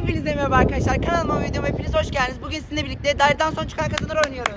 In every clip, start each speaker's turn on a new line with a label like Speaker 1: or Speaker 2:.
Speaker 1: Hepinize merhaba arkadaşlar. Kanalıma ve videoma hepiniz hoş geldiniz. Bugün sizinle birlikte Daireden Son Çıkan Kazanır oynuyoruz.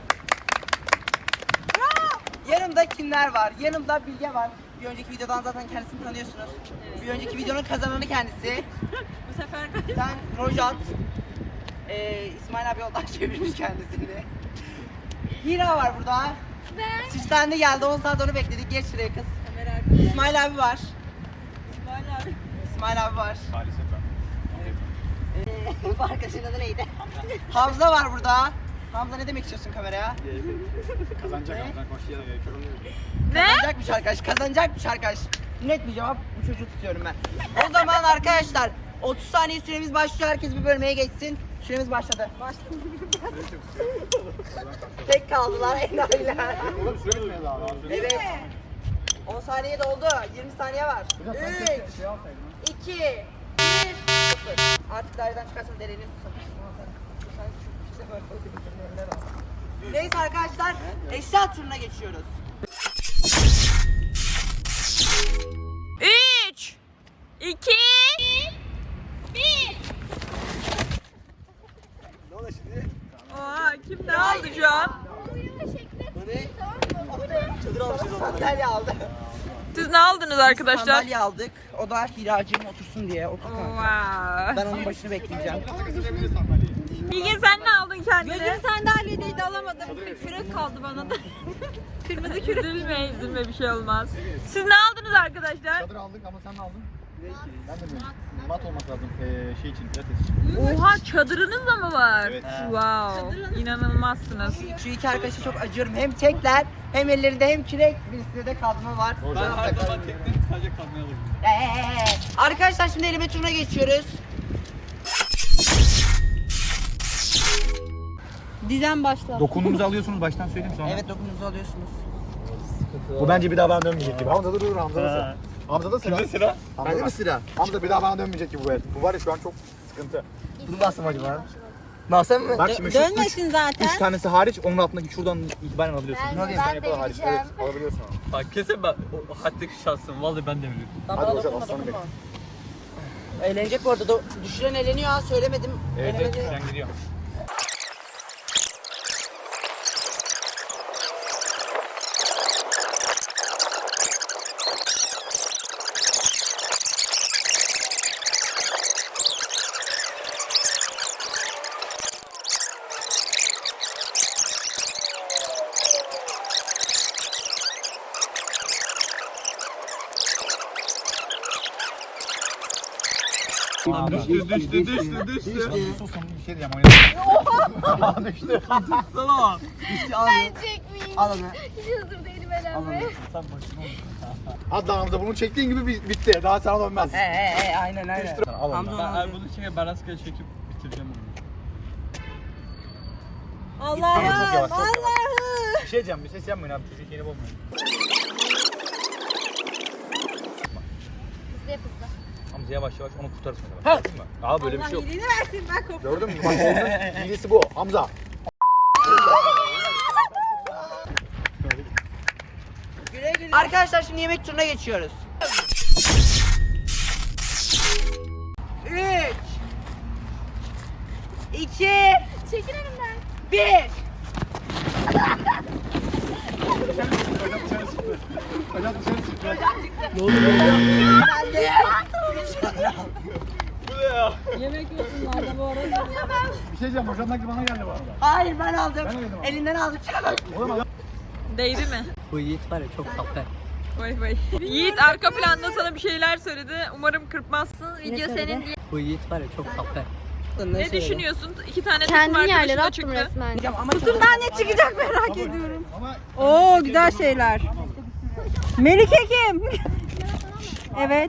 Speaker 1: Yanımda kimler var? Yanımda Bilge var. Bir önceki videodan zaten kendisini tanıyorsunuz. Evet. Bir önceki videonun kazananı kendisi.
Speaker 2: Bu sefer
Speaker 1: Ben Rojat. İsmail abi yoldan çevirmiş kendisini. Hira var burada.
Speaker 2: ben.
Speaker 1: Süslendi geldi. 10 saat onu bekledik. Geç şuraya kız. İsmail abi var. İsmail abi var.
Speaker 3: Maalesef ben.
Speaker 1: Bu arkadaşın adı neydi? Hamza var burada. Hamza ne demek istiyorsun kameraya?
Speaker 3: Kazanacak ama koşuya da gerek yok.
Speaker 1: Kazanacakmış arkadaş, kazanacakmış arkadaş. Net bir cevap, bu çocuğu tutuyorum ben. O zaman arkadaşlar 30 saniye süremiz başlıyor, herkes bir bölmeye geçsin. Süremiz başladı. Tek kaldılar enayiler.
Speaker 3: Oğlum süre mi daha?
Speaker 1: Evet. 10 saniye doldu, 20 saniye var. 3, 2, 1, 0. Artık daireden çıkarsanız elini tutun. Neyse arkadaşlar, eşya turuna geçiyoruz.
Speaker 2: 3 2 1.
Speaker 3: Ne oldu şimdi?
Speaker 2: Oha, kim ne aldı şu an?
Speaker 3: Çadır almışız onlara.
Speaker 1: Sandalye aldı.
Speaker 2: Siz ne aldınız arkadaşlar?
Speaker 1: Sandalye aldık. O da Hiracığım otursun diye. Otur kanka.
Speaker 2: Wow.
Speaker 1: Ben onun başını bekleyeceğim.
Speaker 3: Takacağız sandalyeyi.
Speaker 2: Bilge sen ne aldın kendine?
Speaker 4: Gözüm sandalyedeydi, alamadım. Kürek kaldı bana da.
Speaker 2: Kırmızı kürek. Üzülme bir şey olmaz. Siz ne aldınız arkadaşlar?
Speaker 3: Çadır aldık ama sen ne aldın? Ben de bilmiyorum. Mat olmak lazım şey için, pilates için.
Speaker 2: Oha, çadırınız da mı var?
Speaker 3: Evet.
Speaker 2: Wow. İnanılmazsınız.
Speaker 1: Şu iki arkadaşa çok acıyorum. Hem tekler hem ellerinde hem kürek. Birisinde de kazma var.
Speaker 3: Ben her zaman teknik sadece kalmaya alırım.
Speaker 1: Arkadaşlar şimdi elime turuna geçiyoruz.
Speaker 4: Dizem başla.
Speaker 3: Dokunduğumuzu alıyorsunuz baştan söyleyeyim sonra.
Speaker 1: Evet, dokununuzu alıyorsunuz.
Speaker 3: Bu bence bir daha bana dönmeyecek gibi. Hamza dur Hamza da sıra. Hamza da sıra. Kimde sıra? Bende mi sıra? Hamza bir daha bana dönmeyecek gibi bu el. Bu var ya şu an çok sıkıntı.
Speaker 1: Bunu bastım acaba. Nasıl mı?
Speaker 3: Bak şimdi şu
Speaker 4: Dönmesin zaten.
Speaker 3: 3 tanesi hariç onun altındaki şuradan itibaren alabiliyorsun.
Speaker 5: Ben-
Speaker 3: Bunu alayım,
Speaker 5: ben
Speaker 3: yapılı hariç.
Speaker 5: deneyeceğim.
Speaker 3: Evet alabiliyorsun.
Speaker 6: Bak kesin ben o hattaki şahsım. Vallahi ben de biliyorum.
Speaker 3: Hadi hocam aslanım benim.
Speaker 1: Eğlenecek bu arada. Düşüren eğleniyor ha, söylemedim.
Speaker 6: Evet
Speaker 1: Eğlenemedi.
Speaker 6: evet sen gidiyor. Düştü.
Speaker 3: Susun bir şey diyeceğim oynayalım. Düştü.
Speaker 6: Sana.
Speaker 5: Ben çekmeyeyim.
Speaker 1: Al onu.
Speaker 5: Hiç hazır değilim elenmeye.
Speaker 3: Hadi lan Hamza bunu çektiğin gibi bitti. Daha sana dönmez.
Speaker 1: Aynen aynen.
Speaker 3: Al onu.
Speaker 1: Hamza
Speaker 6: Ben bunu şimdi balaskaya çekip bitireceğim onu.
Speaker 3: Çok yavaş, çok yavaş.
Speaker 4: Allah'ım.
Speaker 3: Bir şey diyeceğim bir ses yapmayın abi çocuk yeni bulmayın.
Speaker 5: Hızlı yap hızlı.
Speaker 3: Hamza yavaş yavaş onu kurtarırsın. Tamam mı? Aa böyle bir şey yok.
Speaker 4: İyiliğini versin, ben korktum.
Speaker 3: Gördün mü? Bak onun hilesi bu. Hamza.
Speaker 1: Güle güle. Arkadaşlar şimdi yemek turuna geçiyoruz. 3 2
Speaker 5: Çekil önümden.
Speaker 1: 1.
Speaker 3: Hocam dışarı çıktı.
Speaker 4: Yemek yiyorsun orada bu arada.
Speaker 3: Bir şey diyeceğim hocam sanki bana geldi bu arada.
Speaker 1: Hayır, ben aldım.
Speaker 3: Ben yedim abi.
Speaker 1: Elinden aldım.
Speaker 3: Oğlum adam.
Speaker 2: Değdi mi?
Speaker 1: Bu Yiğit var ya, çok tatlı.
Speaker 2: Vay vay. Yiğit arka planda sana bir şeyler söyledi. Umarım kırpmazsın. Video senin diye.
Speaker 1: Bu Yiğit var ya, çok tatlı.
Speaker 2: Ne düşünüyorsun? 2 tane takım
Speaker 5: Kendini
Speaker 2: arkadaşı
Speaker 5: yerlere
Speaker 2: da
Speaker 5: attım
Speaker 2: çıktı.
Speaker 5: resmen.
Speaker 1: Hocam ama
Speaker 4: Kutumdan ne çıkacak merak ediyorum.
Speaker 3: Ama
Speaker 4: Oo, güzel şeyler. Melike kim? Evet.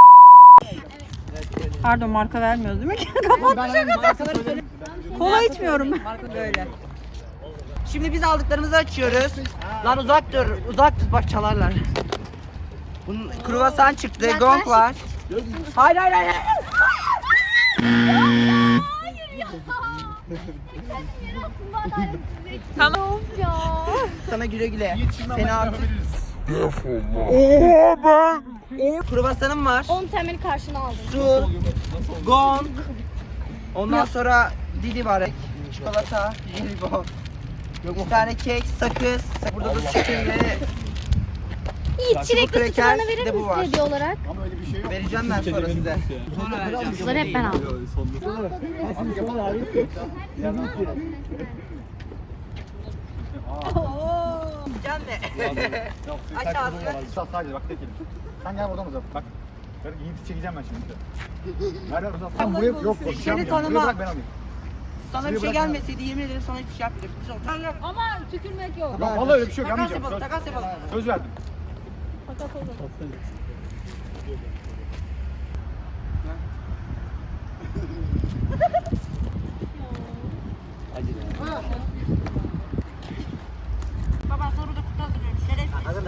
Speaker 4: Pardon, marka vermiyoruz değil mi? Kapat. Kola içmiyorum ben. Böyle.
Speaker 1: Şimdi biz aldıklarımızı açıyoruz. Lan uzak dur, uzak tut, bak çalarlar. Bunun kruvasan çıktı, gong var. Hayır hayır hayır.
Speaker 5: Hayır ya.
Speaker 2: Tamam.
Speaker 5: Ya.
Speaker 1: Sana güle güle. Seni artık. Kruvasanım var.
Speaker 5: 10 temeli karşına aldım.
Speaker 1: Su, gong, Ondan sonra Didi var. Çikolata, jelibon. Bir tane kek, sakız. Burada da sütüyle
Speaker 5: Yiğit çilekli sütü
Speaker 1: kreker,
Speaker 5: bana
Speaker 1: bir
Speaker 5: verir
Speaker 1: de bu
Speaker 5: misin
Speaker 1: var.
Speaker 5: hediye olarak?
Speaker 3: Ama öyle bir şey yok.
Speaker 1: vereceğim ben sonra size. Sonra vereceğim.
Speaker 5: Bunları hep ben aldım.
Speaker 1: Can ne? Aç ağzını.
Speaker 3: Sadece bak tek elim. Sen gel buradan uzat bak. Ben Yiğit'i çekeceğim ben şimdi. Ver uzat. Sen bu yok konuşacağım.
Speaker 1: Seni tanıma.
Speaker 3: Bırak ben alayım.
Speaker 1: Sana bir şey
Speaker 3: bırak
Speaker 1: gelmeseydi yemin ederim sana hiçbir şey yapmayacaktım. Sen gel.
Speaker 4: Ama tükürmek yok.
Speaker 3: Yok vallahi öyle bir şey yok.
Speaker 1: Takas
Speaker 3: Yapmayacağım.
Speaker 1: yapalım, takas yapalım.
Speaker 3: Söz verdim.
Speaker 1: Baba sonra da kutu hazırlıyorum. Şerefsiz.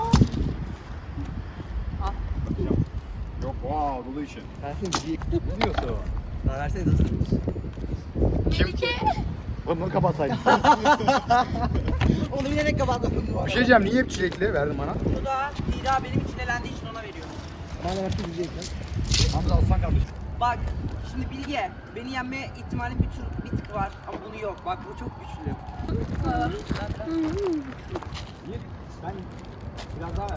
Speaker 3: Yok dolu işi.
Speaker 1: Versene
Speaker 3: Ne diyorsun?
Speaker 1: Daha versene dostum.
Speaker 3: Oğlum bunu kapatsaydın.
Speaker 1: Onu bilerek kapattım.
Speaker 3: Bir şey diyeceğim. Niye hep çilekli verdin bana?
Speaker 1: Bu da Dida benim için elendiği için ona veriyorum.
Speaker 3: Hamza alsan kardeşim.
Speaker 1: Bak şimdi Bilge beni yenme ihtimali bir tık var ama bunu yok. Bak bu çok güçlü.
Speaker 3: Ben biraz daha ver.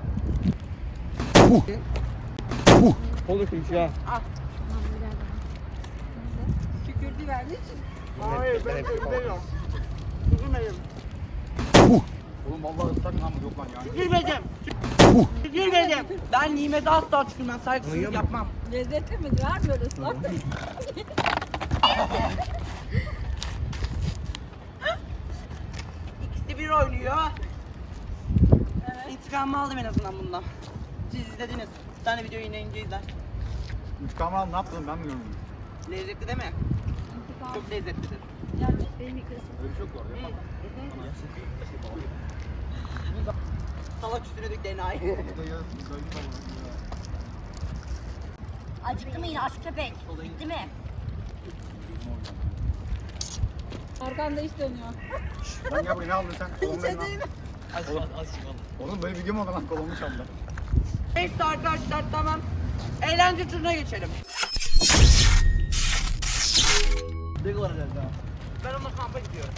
Speaker 6: Konuşmuş ya.
Speaker 4: Tükürdü verdi.
Speaker 1: Hayır ben üzülmeyim. Üzülmeyim.
Speaker 3: Oğlum vallahi ıslak lan bu yok lan yani.
Speaker 1: Üzülmedim. Üzülmedim. Ben nimete asla tükürmem. Saygısızlık yapmam.
Speaker 4: Lezzetli mi? Var mı öyle ıslak?
Speaker 1: İkisi bir oynuyor. İntikamımı aldım en azından bundan. Siz izlediniz. Bir tane video yayınlayınca izler.
Speaker 3: İntikamı al ne yaptın ben bilmiyorum.
Speaker 1: Lezzetli değil mi? Çok lezzetlidir.
Speaker 3: Öyle bir şey yok bu arada.
Speaker 1: Salak üstüne dök DNA'yı.
Speaker 5: Acıktı mı yine aç köpek? Bitti mi?
Speaker 4: Arkanda iş dönüyor.
Speaker 3: Lan gel buraya ne aldın sen? Kolonu ver lan.
Speaker 6: Az
Speaker 3: Oğlum böyle video mu oldu lan kolonu çaldı.
Speaker 1: Neyse arkadaşlar tamam. Eğlence turuna geçelim. Ne kadar daha? Ben onunla kampa gidiyorum.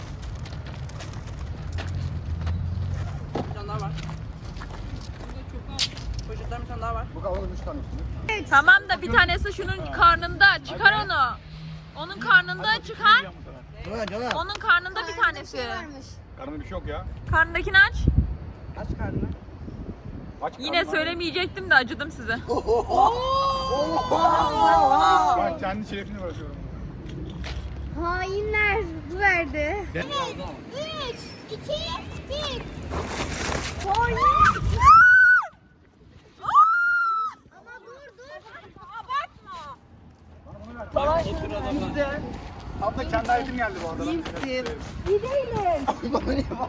Speaker 1: Bir tane daha var. Poşetten bir tane daha var.
Speaker 3: Bu kavanoz 3 tane üstünde.
Speaker 2: Tamam da bir tanesi şunun karnında. Çıkar onu. Onun karnında çıkar. Onun karnında bir tanesi.
Speaker 3: Karnında bir şey yok ya.
Speaker 2: Karnındakini aç.
Speaker 1: Aç karnını.
Speaker 3: Aç
Speaker 2: Yine
Speaker 3: karnını.
Speaker 2: söylemeyecektim de acıdım size.
Speaker 3: Ben kendi şerefini bırakıyorum.
Speaker 5: Hainler bu verdi.
Speaker 3: 3,
Speaker 5: 3, 2, 1. Hayır. Ama dur. Abartma.
Speaker 3: Abla kendi ayetim geldi bu arada.
Speaker 1: İyimsin. Bana ne var?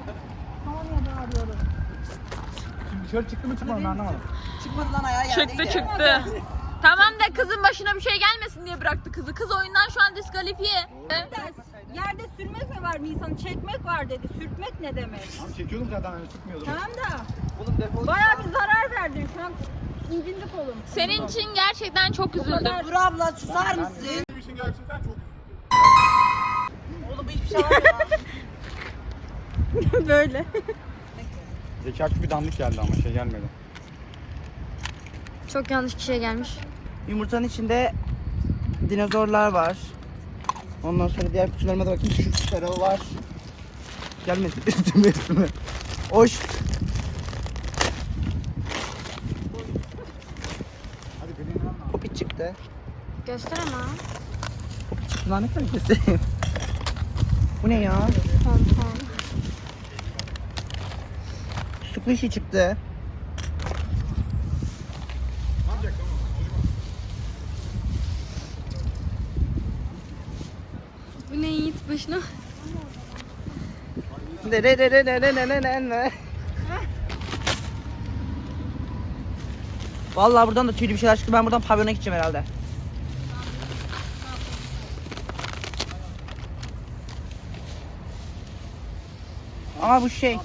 Speaker 3: Şimdi dışarı çıktı mı çıkmadı mı ben anlamadım.
Speaker 1: Çıkmadı lan ayağı
Speaker 2: Çıktı
Speaker 1: yerdeydi.
Speaker 2: çıktı. Tamam da kızın başına bir şey gelmesin diye bıraktı kızı. Kız oyundan şu an diskalifiye.
Speaker 4: Yerde sürmek mi var Nisan? Çekmek var dedi. Sürtmek ne demek?
Speaker 3: Abi çekiyordum zaten hani sıkmıyordum.
Speaker 4: Tamam da
Speaker 1: Oğlum defol.
Speaker 4: bayağı bir zarar verdin. Şu an incindi kolum.
Speaker 2: Senin için gerçekten çok üzüldüm.
Speaker 1: Dur abla susar mısın?
Speaker 3: Benim için gerçekten çok
Speaker 1: Oğlum hiçbir şey var ya.
Speaker 4: Böyle.
Speaker 3: Zeki Akgül bir dandik geldi ama şey gelmedi.
Speaker 5: Çok yanlış kişiye gelmiş.
Speaker 1: Yumurtanın içinde dinozorlar var. Ondan sonra diğer kutularıma da bakayım. Şu sarı var. Gelmesin üstüme. Hoş.
Speaker 3: Hadi beni inanma.
Speaker 1: Popi çıktı.
Speaker 5: Göster ama.
Speaker 1: Popi çıktı lan ne kadar göstereyim. Bu ne ya?
Speaker 5: Pompon.
Speaker 1: Squishy çıktı.
Speaker 5: Bu ne Yiğit başına?
Speaker 1: Vallahi buradan da tüylü bir şeyler çıktı. Ben buradan pavyona gideceğim herhalde. Ama bu şey.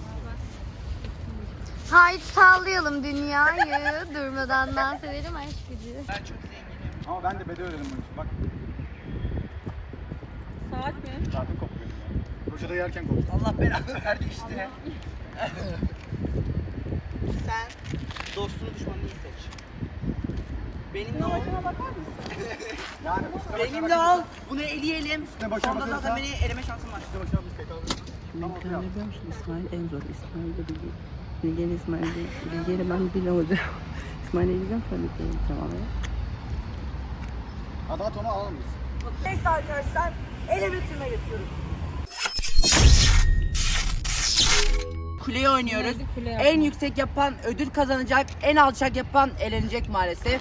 Speaker 5: Haydi sallayalım dünyayı. Durmadan dans edelim aşk gücü.
Speaker 1: Ben çok zenginim.
Speaker 3: Ama ben de bedel ödedim bunun için bak.
Speaker 4: Saat mi?
Speaker 3: Saatim koptu benim ya. Ruşada yerken koptu.
Speaker 1: Allah belanı verdi işte. Sen dostunu düşmanını iyi seç. Benimle ol.
Speaker 3: Yani
Speaker 1: Benimle ol. Bunu eleyelim.
Speaker 3: Üstüne başa
Speaker 1: Sonunda
Speaker 3: bakıyorsa-
Speaker 1: zaten beni eleme şansım var.
Speaker 3: işte başına bir şey kaldı. Tamam,
Speaker 7: Ben
Speaker 3: ya.
Speaker 7: biliyor musun İsmail en zor. İsmail'de Bilge. Bilge'nin İsmail'de. Bilge'yle ben bile olacağım. İsmail'e gideceğim sonra Bilge'ye gideceğim ama.
Speaker 3: Adat onu alalım biz.
Speaker 4: Neyse arkadaşlar, ele bitirme yapıyoruz.
Speaker 1: Kuleyi oynuyoruz.
Speaker 4: Neydi kule
Speaker 1: En
Speaker 4: yapmak?
Speaker 1: yüksek yapan ödül kazanacak. En alçak yapan elenecek maalesef.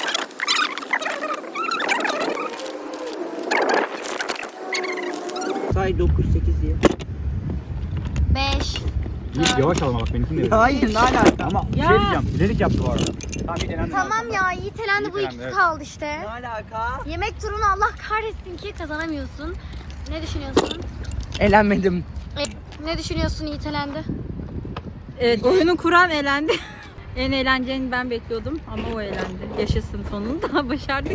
Speaker 1: Say 9 8 diye.
Speaker 5: 5.
Speaker 3: Yiğit yavaş alma bak benimkini de.
Speaker 1: Hayır ne alaka?
Speaker 3: Ama bir şey diyeceğim. Bilerek yaptı bu arada. Tamam Yiğit elendi.
Speaker 5: Tamam ya Yiğit elendi bu
Speaker 3: Yiğit
Speaker 5: ikisi
Speaker 3: elendi,
Speaker 5: kaldı işte.
Speaker 1: Ne alaka?
Speaker 5: Yemek turunu Allah kahretsin ki kazanamıyorsun. Ne düşünüyorsun?
Speaker 1: Elenmedim.
Speaker 5: Ne düşünüyorsun Yiğit elendi?
Speaker 4: Evet, oyunu kuran elendi. En eğleneceğini ben bekliyordum ama o elendi. Yaşasın sonunda başardık.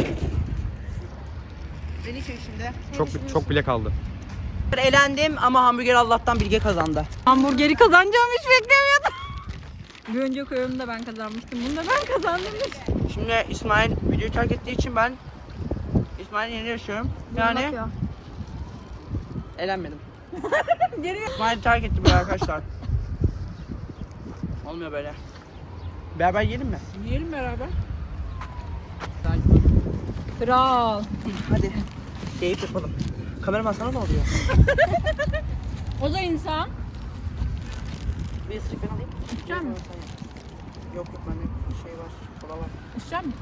Speaker 1: Beni şey şimdi.
Speaker 3: Çok bile kaldı.
Speaker 1: Elendim ama hamburger Allah'tan Bilge kazandı.
Speaker 4: Hamburgeri kazanacağımı hiç beklemiyordum. Bir önceki oyunda ben kazanmıştım. Bunda ben kazandım.
Speaker 1: Şimdi İsmail videoyu terk ettiği için ben İsmail'in yerine yaşıyorum. Yani
Speaker 5: Bakıyor.
Speaker 1: elenmedim.
Speaker 4: Geri
Speaker 1: İsmail terk etti böyle arkadaşlar. Olmuyor böyle. Beraber yiyelim mi?
Speaker 4: yiyelim beraber. Kral.
Speaker 1: Hadi. Keyif yapalım. Kameraman sana ne oluyor?
Speaker 4: O da insan.
Speaker 1: Bir ısırık ben alayım.
Speaker 4: İçecek misin?
Speaker 1: Yok yok bende şey var. Kola var.
Speaker 4: İçecek misin?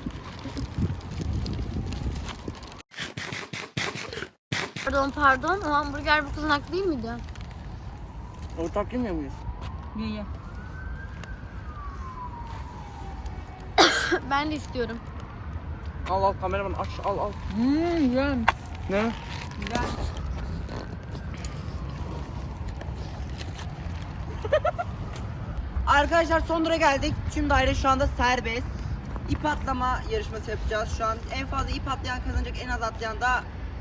Speaker 5: Pardon. O hamburger bu kızın hakkı değil miydi?
Speaker 1: Ortak yemiyor muyuz?
Speaker 4: Ye ye.
Speaker 5: Ben de istiyorum.
Speaker 1: Al al kameraman aç al al.
Speaker 4: Güzel.
Speaker 1: Ne?
Speaker 4: Güzel.
Speaker 1: Arkadaşlar son tura geldik. Tüm daire şu anda serbest. İp atlama yarışması yapacağız. Şu an en fazla ip atlayan kazanacak, en az atlayan da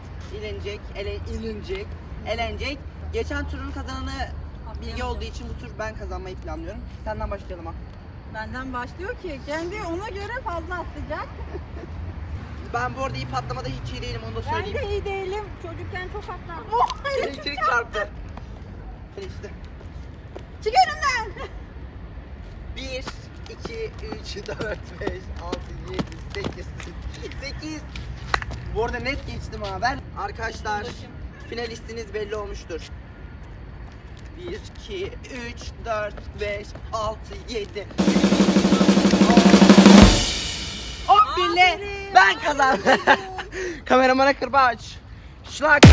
Speaker 1: elenecek. Geçen turun kazananı Bilge olduğu için bu tur ben kazanmayı planlıyorum. Senden başlayalım ha.
Speaker 4: Benden başlıyor ki kendi ona göre fazla atlayacak.
Speaker 1: Ben bu arada ip atlamada hiç iyi değilim onu da
Speaker 4: Ben
Speaker 1: söyleyeyim.
Speaker 4: de iyi değilim. Çocukken çok atlardım. Oh,
Speaker 1: Elektrik çarptı. İşte.
Speaker 4: çık önümden.
Speaker 1: 1, 2, 3, 4, 5, 6, 7, 8, 8. Bu arada net geçtim ha ben. Arkadaşlar finalistiniz belli olmuştur. 1, 2, 3, 4, 5, 6, 7. 11 ile ben kazandım. Kameramana kırbaç. Şlak.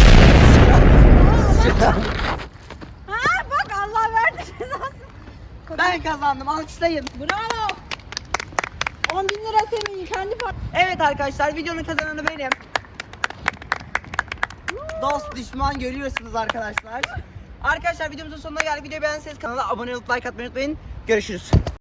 Speaker 4: Ha bak Allah verdi cezasını.
Speaker 1: Ben kazandım alkışlayın.
Speaker 4: Bravo. 10.000 lira senin kendi par.
Speaker 1: Evet arkadaşlar videonun kazananı benim. Dost düşman görüyorsunuz arkadaşlar. Arkadaşlar videomuzun sonuna geldik. Videoyu beğendiyseniz kanala abone olup like atmayı unutmayın. Görüşürüz.